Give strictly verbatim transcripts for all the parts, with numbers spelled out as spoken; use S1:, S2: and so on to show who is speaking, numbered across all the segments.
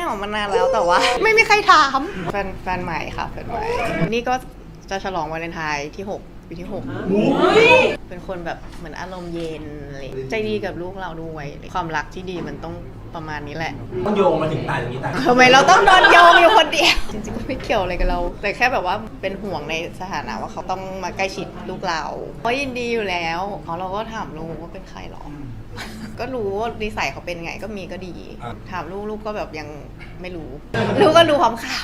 S1: ออกมานานแล้วแต่ว่าไม่มีใครถามแฟนแฟนใหม่ค่ะแฟนใหม่นี่ก็จะฉลองวาเลนไทน์ที่หกปีที่หกเป็นคนแบบเหมือนอารมณ์เย็นอะไรใจดีกับลูกเราด้วยความรักที่ดีมันต้องประมาณนี้แหละ
S2: ต้องโยงมาถึงตายอย่างนี้ตาย
S1: ทำไมเราต้องโดนโยงอยู่คนเดียวจริงๆก็ไม่เกี่ยวอะไรกับเราแต่แค่แบบว่าเป็นห่วงในสถานะว่าเขาต้องมาใกล้ชิดลูกเราเพราะยินดีอยู่แล้วเขาเราก็ถามลูกว่าเป็นใครหรอก็รู้ว่านิสัยเขาเป็นไงก็มีก็ดีถามลูกลูกก็แบบยังไม่รู้ลูกก็รู้ความข่าว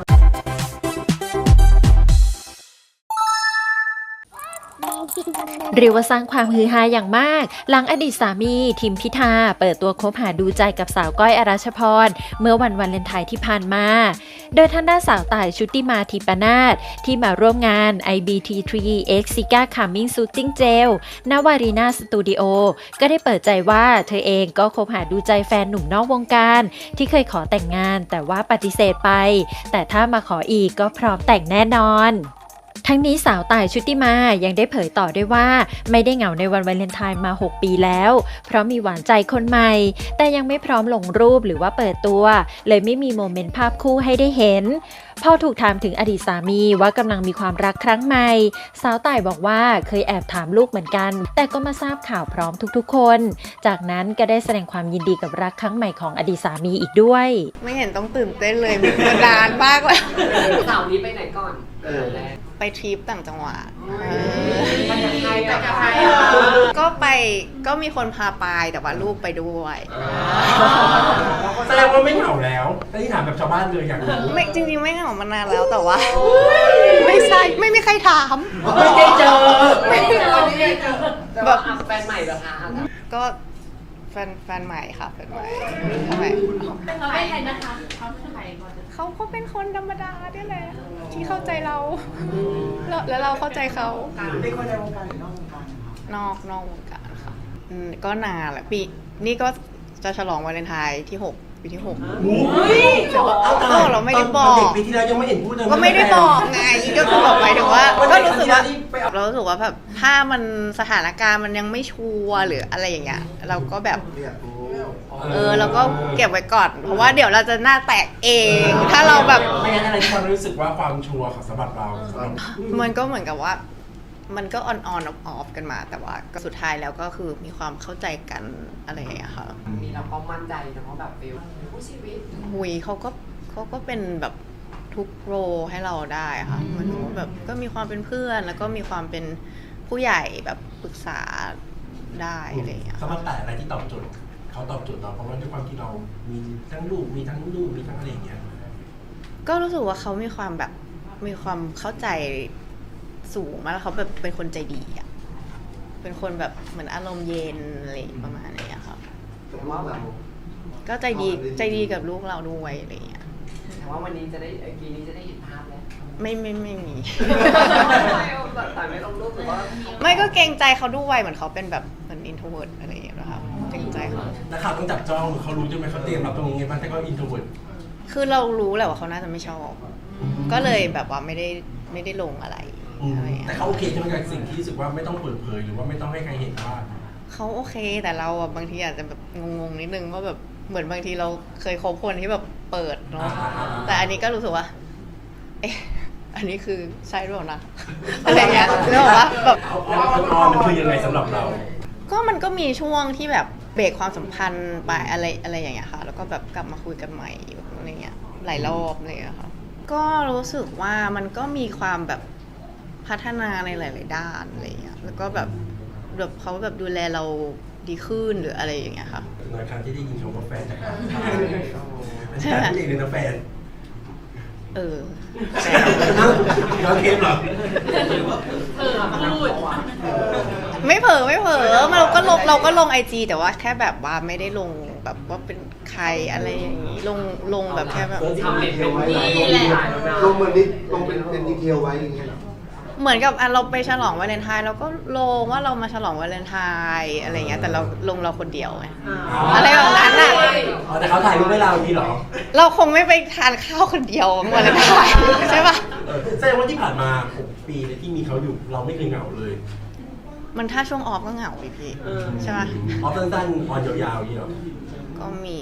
S3: เรียกว่าสร้างความฮือฮาอย่างมากหลังอดีตสามีทิมพิธาเปิดตัวคบหาดูใจกับสาวก้อยอรัชพรเมื่อวันวาเลนไทน์ที่ผ่านมาโดยทางด้านสาวต่ายชุติมาทิปนาถที่มาร่วมงาน ไอ บี ที ทรี X Sika Coming Shooting Gel ณ Warina Studio ก็ได้เปิดใจว่าเธอเองก็คบหาดูใจแฟนหนุ่มนอกวงการที่เคยขอแต่งงานแต่ว่าปฏิเสธไปแต่ถ้ามาขออีกก็พร้อมแต่งแน่นอนทั้งนี้สาวต่ายชุติมายังได้เผยต่อด้วยว่าไม่ได้เหงาในวันวาเลนไทน์มาหกปีแล้วเพราะมีหวานใจคนใหม่แต่ยังไม่พร้อมลงรูปหรือว่าเปิดตัวเลยไม่มีโมเมนต์ภาพคู่ให้ได้เห็นพอถูกถามถึงอดีตสามีว่ากำลังมีความรักครั้งใหม่สาวต่ายบอกว่าเคยแอบถามลูกเหมือนกันแต่ก็มาทราบข่าวพร้อมทุกๆคนจากนั้นก็ได้แสดงความยินดีกับรักครั้งใหม่ของอดีตสามีอีกด้วย
S1: ไม่เห็นต้องตื่นเต้นเลยมันนานมากเลย
S4: สาวนี้ไปไหนก่อน
S1: ไปทริปต่างจังหวัด
S4: ไปกับใครไปกับใคร
S1: ก็ไปก็มีคนพาไปแต่ว่าลูกไปด้วย
S2: แสดงว่าไม่เหงาแล้วแต่ที่ถามแบบชาวบ้านเลยอยากรู้
S1: ไม่จริงๆไม่เหงามานานแล้วแต่ว่าไม่ใช่ไม่มีใครถาม
S2: ไม่ได้เจอ
S4: ไม่ได้เจอไม่ได้เจอแบบแฟนใหม่เหรอคะ
S1: ก็แฟนแฟนใหม่ค่ะแฟนใหม่ทำไม
S5: เขาเป็นใครนะคะเขาเป็นใครก่อน
S1: เขาก็เป็นคนธรรมดาเนี่ยแหละที่เข้าใจเราแล้วเราเข้าใจเขา
S2: เป็นคนในวงการหรือนอกวงการ
S1: นอกนอกวงการค่ะก็นานแหละปีนี่ก็จะฉลองวาเลนไทน์ที่หกปีที่หกเออเราไม่ได้บอก
S2: เด็กปีที่แล้วยังไม่เห็นพูดเลย
S1: ก็ไม่ได้บอกไงก็คือบอกไปถึงว่าก็รู้สึกว่าเรารู้สึกว่าแบบถ้ามันสถานการณ์มันยังไม่ชัวร์หรืออะไรอย่างเงี้ยเราก็แบบเออเราก็เก็บไว้ก่อนเพราะว่าเดี๋ยวเราจะหน้าแตกเองถ้าเราแบบ
S2: ไม่งั้นอะไรที่ความรู้สึกว่าความชัวร์ของสำหรับเรา
S1: มันก็เหมือนกับว่ามันก็ออนออนออฟกันมาแต่ว่าก็สุดท้ายแล้วก็คือมีความเข้าใจกันอะไรอย่างเงี้ยค่ะ
S4: มีเราก็มั่นใจนะเพราะแบบฟิลผู้ชีวิต
S1: หุยเขาก็เขาก็เป็นแบบทุกโรให้เราได้ค่ะมันแบบก็มีความเป็นเพื่อนแล้วก็มีความเป็นผู้ใหญ่แบบปรึกษาได้อะไรอย่างเงี้ย
S2: สำหรับแต่อะไรที่ตอบโจทย์เขาตอบโจทย์เราเพราะว่าด้วยความที่เรามีทั้งลูกมีทั้งลูกมีทั้งอะไรอย่างเงี้ย
S1: ก็รู้สึกว่าเขามีความแบบมีความเข้าใจสูงมากแล้วเขาแบบเป็นคนใจดีอ่ะเป็นคนแบบเหมือนอารมณ์เย็นอะไรประมาณนี้ค่ะ
S4: แต่ว่าแบบ
S1: ก็ใจดีใจดีกับลูกเราด้วยอะไรอย่างเงี้ย
S4: แต่ว่าวันนี้จะได้ปีนี้จะได้เห็นภาพแล้ว
S1: ไม่ไม่ไม่มี
S4: แต่ไม่ลงรูปหรือว่า
S1: ไม่ก็เกรงใจเขาด้วยเหมือนเขาเป็นแบบเหมือนอินโทรเวิร์ตอะไรอย่างเงี้ยนะครับเกรงใจเขา
S2: แต่ข่าวต้องจับจ้องเขารู้ใช่ไหมเขาเตรียมรับตรงนี้ไงบ้างแต่ก็อินโทรเวิร์ต
S1: คือเรารู้แหละว่าเขาน่าจะไม่ชอบก็เลยแบบว่าไม่ได้ไม่ได้ลงอะไร
S2: แต่เขาโอเคใช่ไหมกับสิ่งที่รู้สึกว่าไม่ต้องเปิดเผยหรือว่าไม่ต้องให้ใครเห็นว่า
S1: เขาโอเคแต่เราอ่ะบางทีอาจจะแบบงงๆนิดนึงว่าแบบเหมือนบางทีเราเคยคบคนที่แบบเปิดเนาะแต่อันนี้ก็รู้สึกว่าเอ๊ะอันนี้คือใช่หรือเปล่านะอะไรเงี้ยเรื่องว่าแบบ
S2: มันคือยังไงสำหรับเรา
S1: ก็มันก็มีช่วงที่แบบเบรกความสัมพันธ์ไปอะไรอะไรอย่างเงี้ยค่ะแล้วก็แบบกลับมาคุยกันใหม่อะไรเงี้ยหลายรอบเลยอะค่ะก็รู้สึกว่ามันก็มีความแบบพัฒนาในหลายๆด้านอะไรเงี้ยแล้วก็แบบแบบเขาแบบดูแลเราดีขึ้นหรืออะไรอย่างเงี้ยค่ะ
S2: ในครั้งที่ได้ยินคำว่าแฟนจากเราใช่ไหมเองเลยนะแฟน
S1: เออ
S2: เราเทปหรอ
S5: เออพูด
S1: ไม่เผลอไม่เผลอเราก็ลงเราก็ลงไอจีแต่ว่าแค่แบบว่าไม่ได้ลงแบบว่าเป็นใครอะไรอย่างนี้ลงลงแบบแค่แบบ
S4: ทำเป็นนี่แหละ
S6: ลงเหมือนนิดลงเป็นเป็นดีเทลไว้อย่างเงี้ย
S1: เหมือนกับอ่ะเราไปฉลองวาเลนไทน์เราก็ลงว่าเรามาฉลองวาเลนไทน์อะไรเงี้ยแต่เราลงเราคนเดียวไงอะไรแบบนั้นอ่ะ
S2: อ๋อแต่เขาถ่ายรูปให้เรานี่หรอ
S1: เราคงไม่ไปทานข้าวคนเดียววาเลนไทน์ใช่ป่ะ
S2: แสดงว่าที่ผ่านมาหกปีที่มีเขาอยู่เราไม่เคยเหงาเลย
S1: มันถ้าช่วงออฟก็เหงาพี่พี่ใช่ป่ะ
S2: ออฟสั้นๆออนยาวๆนี่หรอ
S1: ก็มี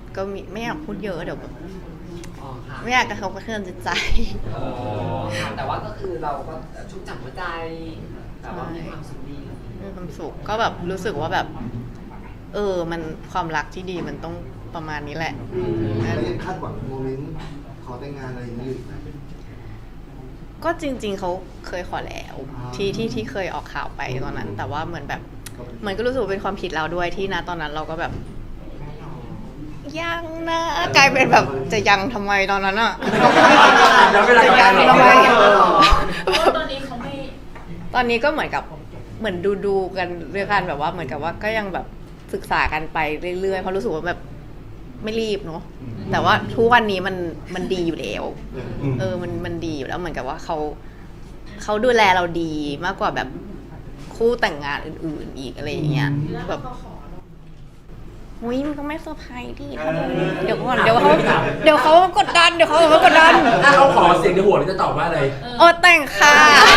S1: ก็มีไม่อยากพูดเยอะเดี๋ยวแบบ
S4: อ๋อค่ะ
S1: ไม่อยากกระทบกระเทือนจิตใจ
S4: เออค่ะแต่ว่าก็คือเราก็ชุ่มฉ่ำหัวใจแต่ว่ามีความสุขดี
S1: มีความสุขก็แบบรู้สึกว่าแบบ เออ มันความรักที่ดีมันต้องประมาณนี้แหละ
S6: แล้วยังคาดหวังโมเมนต์ขอแต่งงานอะไรอย่างนี้อยู่ไหม
S1: ก็จริง ๆเขาเคยขอแล้ว
S6: อ่า
S1: ที่ที่ที่เคยออกข่าวไปตอนนั้น แต่ว่าเหมือนแบบเหมือนก็รู้สึกว่าเป็นความผิดเราด้วยที่นะตอนนั้นเราก็แบบ ยังนะกลายเป็นแบบจะยังทำไมตอนนั้นอะ
S2: แล้วเวลา
S1: จะ
S2: ทำ
S1: ยัง
S2: งาน
S1: ทำไม
S2: เรา
S5: ตอนนี้เขาไม่
S1: ตอนนี้ก็เหมือนกับเหมือนดูดูๆกันเรื่องกันแบบว่าเหมือนกับว่าก็ยังแบบศึกษากันไปเรื่อยๆเพราะรู้สึกว่าแบบไม่รีบเนาะแต่ว่าทุกวันนี้มันมันดีอยู่แล้ว
S2: ม
S1: เออมันมันดีอยู่แล้วเหมือนกับว่าเขาเขาดูแลเราดีมากกว่าแบบคู่แต่งงานอื่นๆอีกอะไรอย่างเงี้ยแบบอุ้ยมันก็ไม่เซอร์ไพรส์ดิถ้ามันเดี๋ยวก่อนเดี๋ยวเขาเดี๋ยวเขากดดันเดี๋ยวเขาเขากดดัน
S2: ถ้าเขาขอเสียงในหัวเราจะตอบว่าอะไร
S1: โอ้แต่งค่ะ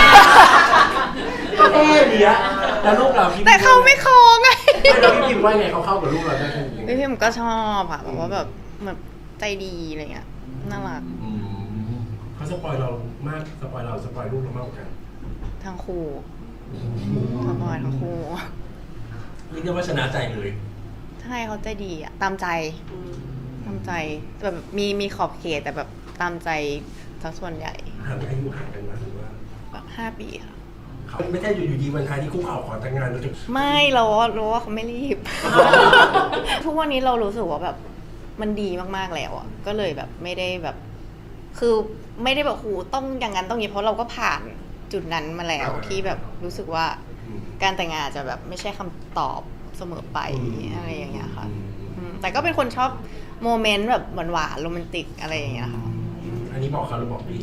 S2: ก็แค่เนี้ยแล้วลูกเราพี่
S1: แต่เขาไม่คอไง
S2: ไม่เราพี่พิมพ์ว่าไงเขาเข้ากับลูกเราได้แค่ไหน
S1: พี่พิมก็ชอบอะแบบว่าแบบแบบใจดีอะไรเงี้ยน่ารัก
S2: อืมเขาสปอยเรามากสปอยเราสปอยลูกเรามากกว่ากัน
S1: ทั้งคู่ทั้งบอยทั้งคู่
S2: เรียกได้ว่าชนะใจเลย
S1: ใช่เขาใจดีอะตามใจตามใจแบบมีมีขอบเขตแต่แบบตามใจทั้งส่วนใหญ่
S2: ห่างอายุห่างกันมาหรือว่า
S1: แบบห้าปีค่ะ
S2: เขาไม่ใช่อยู่ดีวันท้ายที่คุกเข่าขอแต่งงานเราจะ
S1: ไม่เรารู้ว่าเขาไม่รีบ ทุกวันนี้เรารู้สึกว่าแบบมันดีมากๆแล้วอ่ะก็เลยแบบไม่ได้แบบ คือไม่ได้แบบโหต้องอย่างนั้นต้องอย่างนี้เพราะเราก็ผ่านจุดนั้นมาแล้วที่แบบรู้สึกว่าการแต่งงานอาจจะแบบไม่ใช่คำตอบเสมอไปอะไรอย่างเงี้ยค่ะอืมแต่ก็เป็นคนชอบโมเมนต์แบบหวานๆโรแมนติกอะไรอย่างเงี้ยค่ะ
S2: อันนี้บอกเขาหรือบอกพี่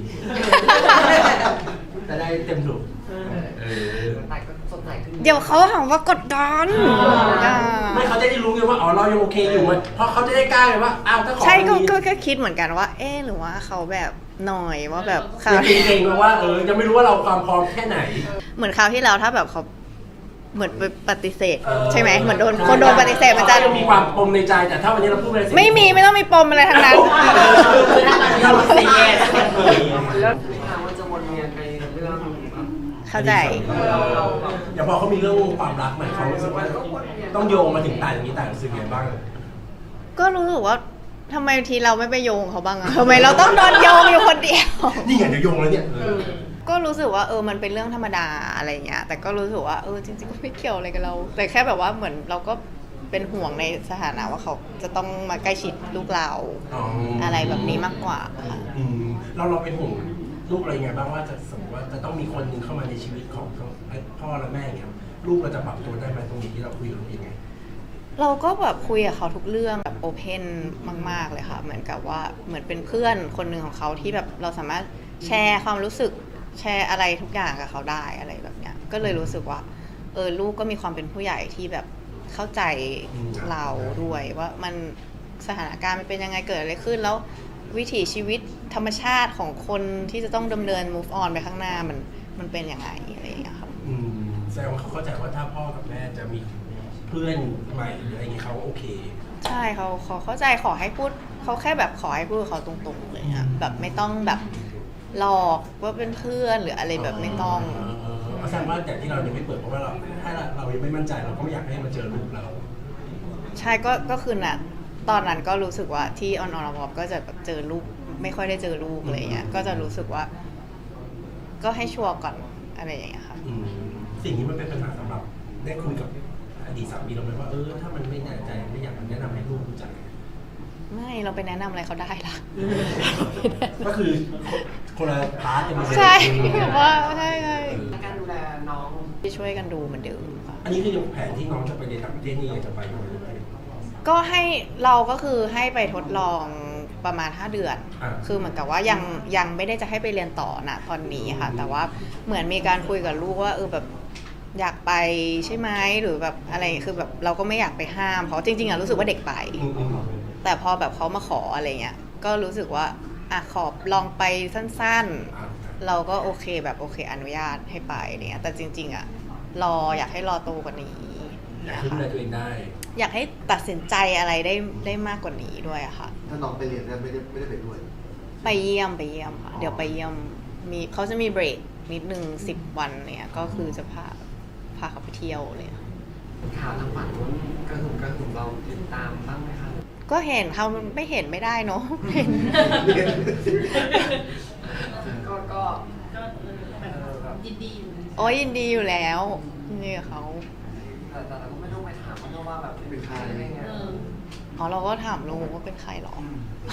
S2: จะได้เต็มถูกเออ
S4: แต่ก็สดใสขึ้น
S1: เดี๋ยวเขาหาว่ากดดันอ่า
S2: ไม่เขาจะได้รู้ไงว่าอ๋อเรายังโอเคอยู่มันเพราะเขาจะได้กล้าไงว่าอ้าวถ้าขอ
S1: ใช่ก็
S2: คนนี้
S1: ก็ก็คิดเหมือนกันว่า เอ๊ะหรือว่าเขาแบบหน่อยว่าแบบค
S2: จะ
S1: ราว
S2: เก่งๆว่าเออยังไม่รู้ว่าเราความพร้อมแค่ไหน
S1: เหมือนคราวที่แล้วถ้าแบบเขาเหมือนไปปฏิเสธ ใช่ไหมเหมือนโดนคนโดนปฏิเสธมันจะ
S2: ยังมีความปมในใจแต่ถ้าวันนี้เราพูดไปแล้ว
S1: ไม่มีไม่ต้องมีปมอะไรทั้งนั้น
S2: เราเสียแย่สักคนเลย
S4: แล้วทางมันจะวนเวียนไปเรื่องแบบ
S1: เข้าใจ
S4: เราเราแบบ
S2: อย่าพอเขามีเรื่องความรักใหม่เขารู้สึกว่าต้องโยงมาถึงตายอย่างนี้ตายรู้สึกไงบ้าง
S1: ก็รู้สึกว่าทำไมทีเราไม่ไปโยงเขาบ้างอะทำไมเราต้องโดนโยงอยู่คนเดียว
S2: นี่ไงเดี๋ยวโยงแล้วเนี่ยเออ
S1: ก็รู้สึกว่าเออมันเป็นเรื่องธรรมดาอะไรเงี้ยแต่ก็รู้สึกว่าเออจริงๆก็ไม่เกี่ยวอะไรกับเรา แต่แค่แบบว่าเหมือนเราก็เป็นห่วงในสถานะว่าเขาจะต้องมาใกล้ชิดลูกเรา
S2: อ๋ออ
S1: อะไรแบบนี้มากกว่าค่ะ
S2: อืมเราเราเป็นห่วงลูกอะไรไงบ้างว่าจะสมมติว่าจะต้องมีคนหนึ่งเข้ามาในชีวิตของทั้งพ่อและแม่อย่างเงี้ยลูกเราจะปรับตัวได้ไหมตรงนี้ที่เราคุยกับลูกยังไง
S1: เราก็แบบคุยกับเขาทุกเรื่องแบบโอเพนมากๆเลยค่ะเหมือนกับว่าเหมือนเป็นเพื่อนคนหนึ่งของเขาที่แบบเราสามารถแชร์ความรู้สึกแชร์อะไรทุกอย่างกับเขาได้อะไรแบบเนี้ยก็เลยรู้สึกว่าเออลูกก็มีความเป็นผู้ใหญ่ที่แบบเข้าใจเราด้วยว่ามันสถานการณ์มันเป็นยังไงเกิดอะไรขึ้นแล้ววิถีชีวิตธรรมชาติของคนที่จะต้องดำเนิน move on ไปข้างหน้ามันมันเป็นยังไงอะไรอย่างเงี้ยค่ะ
S2: อืมแสดงว่าเขาเข้าใจว่าถ้าพ่อกับแม่จะมีเพื่อนใหม่หรืออะไรอย่างเงี้ยเขาโอเค
S1: ใช่เขาเขาเข้าใจขอให้พูดเขาแค่แบบขอให้พูดกับเขาตรงๆเลยอะแบบไม่ต้องแบบหลอกว่าเป็นเพื่อนหรืออะไรแบบไม่ต้อง
S2: เออเออเออแสดงว่าแต่ที่เรายังไม่เปิดเพราะว่าเราถ้าเรายังไม่มั่นใจเราก็ไม่อยากให้มาเจอลูกเรา
S1: ใช่ก็ก็คือน่ะตอนนั้นก็รู้สึกว่าที่ออนออนวอก็จะแบบเจอลูกไม่ค่อยได้เจอลูกอะไรเงี้ยก็จะรู้สึกว่า ก็ให้ชัวร์ก่อนอะไรอย่างเงี้ยค่ะ
S2: อืมสิ่งนี้มันเป็นปัญหาสำหรับได้คุยกับอดีตสามีเราไหมว่าเออถ้ามันไม่แน่ใจไม่อยากแนะนำให้ลูกรู้จัก
S1: ไม่เราไปแนะนำอะไรเขาได้ล่ะ
S2: ก็คือคนละพาร์ทกันเลย
S1: ใช่แบบว่าใช่ใช่
S4: การดูแลน้อง
S1: ที่ช่วยกันดูเหมือนเดิมค่ะ
S2: อันนี้คือยังแผนที่น้องจะไปเรียนต่างประเทศนี่ยังจะไปอยู่ไหม
S1: ก็ให้เราก็คือให้ไปทดลองประมาณห้าเดือน
S2: อ่า
S1: คือเหมือนกับว่ายังยังไม่ได้จะให้ไปเรียนต่อนะตอนนี้ค่ะ แต่ว่าเหมือนมีการคุยกับลูกว่าเออแบบอยากไปใช่ไหมหรือแบบอะไรคือแบบเราก็ไม่อยากไปห้ามเพราะจริงๆอะรู้สึกว่าเด็กไป
S2: อืมอืม
S1: แต่พอแบบเขามาขออะไรเงี้ยก็รู้สึกว่าอ่ะขอลองไปสั้น
S2: อ่า
S1: ๆ เราก็โอเคแบบโอเคอนุญาตให้ไปเนี่ยแต่จริงๆอะรออยากให้รอโตกว่านี้
S2: ออยาก
S1: เงี้ย
S2: ให้ดูแล
S1: ค่ะ
S2: ตัวเองได้
S1: อยากให้ตัดสินใจอะไรได้ได้มากกว่านี้ด้วยอะค่ะ
S6: ถ้าน้องไปเรียนได้ไม่ได้ไม่ได้ไปด้วย
S1: ไปเยี่ยมไปเยี่ยมค่ะ
S6: อ๋อ
S1: เดี๋ยวไปเยี่ยมมีเขาจะมีเบรกนิดนึงสิบวันเนี่ยก็คือจะพาพาเขาไปเที่ยวเลยค่ะ
S4: ข่าวทางฝั่งนู้นกระหึ่มกระหึ่มเราติดตามบ้างไหมคะ
S1: ก็เห็นเขาไม่เห็นไม่ได้เนาะ เห็น
S4: ก็ก็
S5: ก็เออแบบยินดีอยู่
S1: โอ้ยยินดีอยู่แล้วยินดีกับเขา
S4: แต่แต่เราก็ไม่ต้องไปถามเขาว่าแบบ
S6: เป็นใคร
S4: อะไรเงี้ย
S5: เออ
S1: อ๋อเราก็ถามลุงว่าเป็นใครหรอ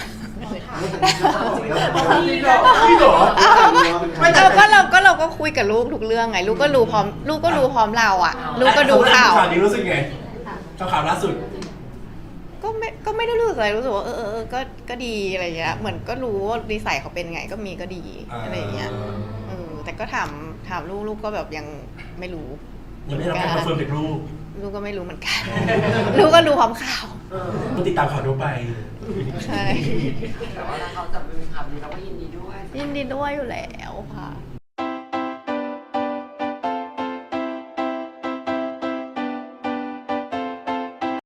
S2: พี่หรอพี่หรอ
S1: ไม่เราก็เราก็เราก็คุยกับลูกทุกเรื่องไง ลูกก็รู้พร้อม ลูกก็รู้พร้อมเราอ่ะ ลูกก็ดูข่าว
S2: ข่าวนี้รู้สึกไงข่าวล่าสุด
S1: ก็ไม่ก็ไม่ได้รู้สึกอะไรรู้สึกว่าเออเออเออก็ก็ดีอะไรเงี้ยเหมือนก็รู้ว่านิสัยเขาเป็นไงก็มีก็ดีอะไรเงี้ยเออแต่ก็ถามถามลูกลูกก็แบบยังไม่รู้
S2: ยังไม่ได้รับการคอนเฟิร์มจากลูก
S1: ลูกก็ไม่รู้เหมือนกัน ลูกก็รู้พร้อมข่าว
S2: ต้องติดตามข่าวทั่วไป
S1: ใช่
S4: แต่ว่าถ้าเขาจะเป็นคำนี้เราก็ยินดีด้วย
S1: ยินดีด้วยอยู่แล้วค่ะ
S2: อื